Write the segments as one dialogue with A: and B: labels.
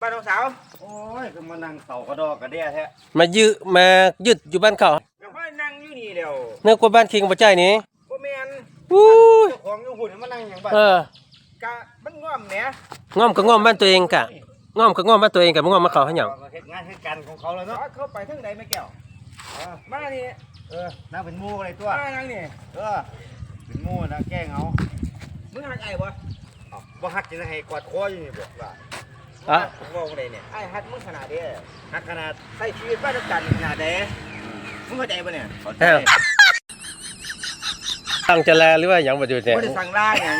A: บ้านน้องสาว
B: โอ้ยก็มานั่งเต่ากระดอกกระเดียแท้
C: มายึดอยู่บ้านเขา
A: ก็มานั่งอยู่นี่เดียว
C: เนื้อกว่าบ้านคิงบ่ใจนี่
A: บ่แม่น
C: อู้ย
A: เจ้าของอยู่หุ่นมานั่งอย่างบ้านกะมันง่อมแหน
C: ง่อมก็ง่อมบ้านตัวเองกะง่อมก็ง่อมบ้านตัวเองกะบ่ง่อมมาเขาให้หยัง
B: เฮ็ดงานเฮ็ดการของเขาแล้วเนาะ
A: เข้าไปทางใดแม่แก้วมานี่
B: นั่งเป็นหมู่อะไรตัว
A: มานั่งนี่
B: เป็นหมู่นะแกล้งเอา
A: มึงหักไอ้บ่
B: บ่ฮักจะให้กอดคออยู่นี่บอกว่า
A: งงเลยเนี่ยไอ้ฮักมึงขนาดเด้
B: ฮักขนาด
A: ใช้ชีวิตบ้านกันขนาดเด้มึงเข้าใจป่ะเนี่ย
C: ตั้งจะแลหรือว่าหยังบ่อยู่เนี่ย
A: บ่ได้สั่งลาหยัง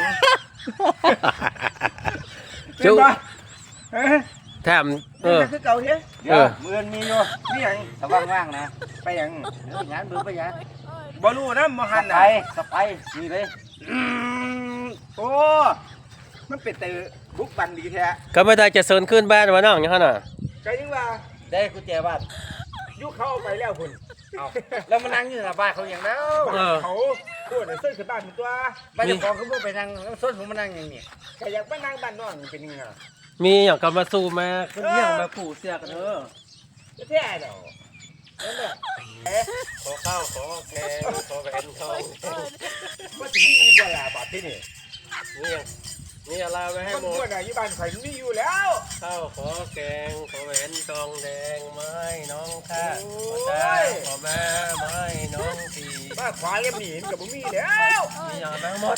C: จุ๊แถม
A: คือเก่าเฮ้
B: มือนมีอยู่
A: มีหยัง
B: ถ้าว่างๆนะ
A: ไปหยัง
B: งานไปหยัง
A: บ่รู้นะบ่หันน่ะ
B: สไปนี่เลย
A: โอ้มันเป็นแต่บุกบันดีแท้
C: ก็ไม่ได้จะเซินขึ้นบ้านว่าน้องหยังหั่นน่ะ
A: ก็ยังว่า
B: ได้กุญแจบ้าน
A: ยุเขาเอาไปแล้วคุณ
B: เอาแล้วมานั่งอยู่หน้าบ้านเขาอย่างแล้ว
A: เขาพูดเส้นขึ้นบ้านเป็นตัว
B: บ้านเจ้าของเขาไปนั่งส้นผมมานั่งอย่างนี้
A: ใครอยากไปนั่งบ้านน้องเป็นยังไง
C: มีอย่างกับมาสู้มาเรื่องมาปู่เสียกันเถอะ
A: แท้เนาะนั่นแหละ
B: ขอข้าวขอแกงขอแหวนทอง
A: ว่าที่มีเวลาบาดที่นี่
C: นี่อะไรไว้ให้หมด
A: ว่าอยู่บ้านข่อยมีอยู่แล้ว
C: ข้าวขอแกงขอแหวนทองแดงไม้น้องข้าขอแม่ไม้น้องตี
A: บ้านขวาเรียบหนีกับบุมีแล้ว
C: มีอย่างทั้งหมด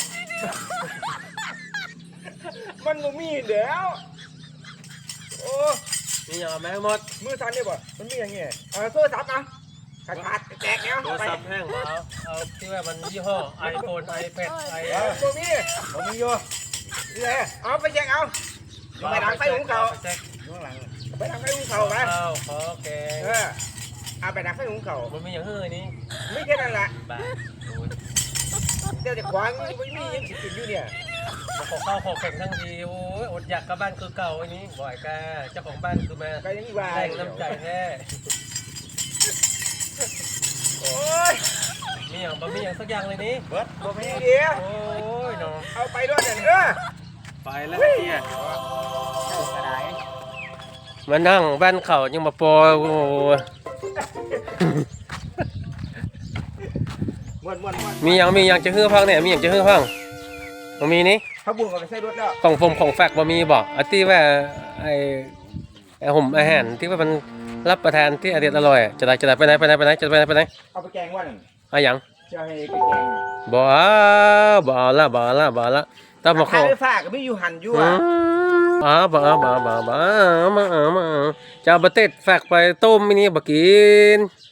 A: มันบุมีแล้วโอ้
C: มีอย่างแม่หมด
A: มือสั่นเนี่ยบ่มันมีอย่างเงี้ยโซ่ซับนะขาดแตกแล้ว
C: โทรศัพท์แห้งเอาที่ว่ามันยี่ห้อ iPhone iPad
A: ตัวมี
B: ผมมีอยู่
A: นี่แหละเอาไปแจกเอาไปดังไฟหุงเขาไปดังไฟหุงเขาไป
C: ขอแกง
A: เอาไปดังไฟหุงเขา
C: มันมีอย่างเฮ้ยนี่
A: ไม่แค่นั้นแหละเดี๋ยวจะขวางไม่มียังสิกินอยู่เนี่ย
C: ขอข้าวขอแข่งทั้งทีโอ้ยอดอยากกับบ้านคือเก่าอันนี้บ่อยกาเจ้าของบ้านคือมา
A: ก็ยังว่า
C: แรงน้ำใจแท้
A: โอ้ย
C: มีอย่างบ่มีอย่างสักอย่างเลยนี่
A: เบิดบ่มีเดียว
C: โอ้ยน้อง
A: เอาไปด้วยเนี่ย
C: ไปแล้วเนี่ยมานั่งบ้านเขายังมาปอยโอ้มีอย่างจะฮื้อพังเนี่ยมีอย่างจะฮื้อพังบ่มีนี่
A: เขาบุญกับไปใส่รถแล้ว
C: ของผมของแฟกบ่มีบอกอันที่ว่าไอ้ห่มอาหารที่ว่ามันรับประทานที่อร่อยจะได้ไปไหนจะไปไหน
A: เอาไปแกงว่าหนึ่ง
C: เอาอย่าง
A: จะให้ไปแกง
C: บ่ละต้องมาขอ
A: ไปฝากก็ไม่อยู่หันอยู่
C: บ่จะเอาบะเต็ดแฟกไปต้มมินี่บ่กิน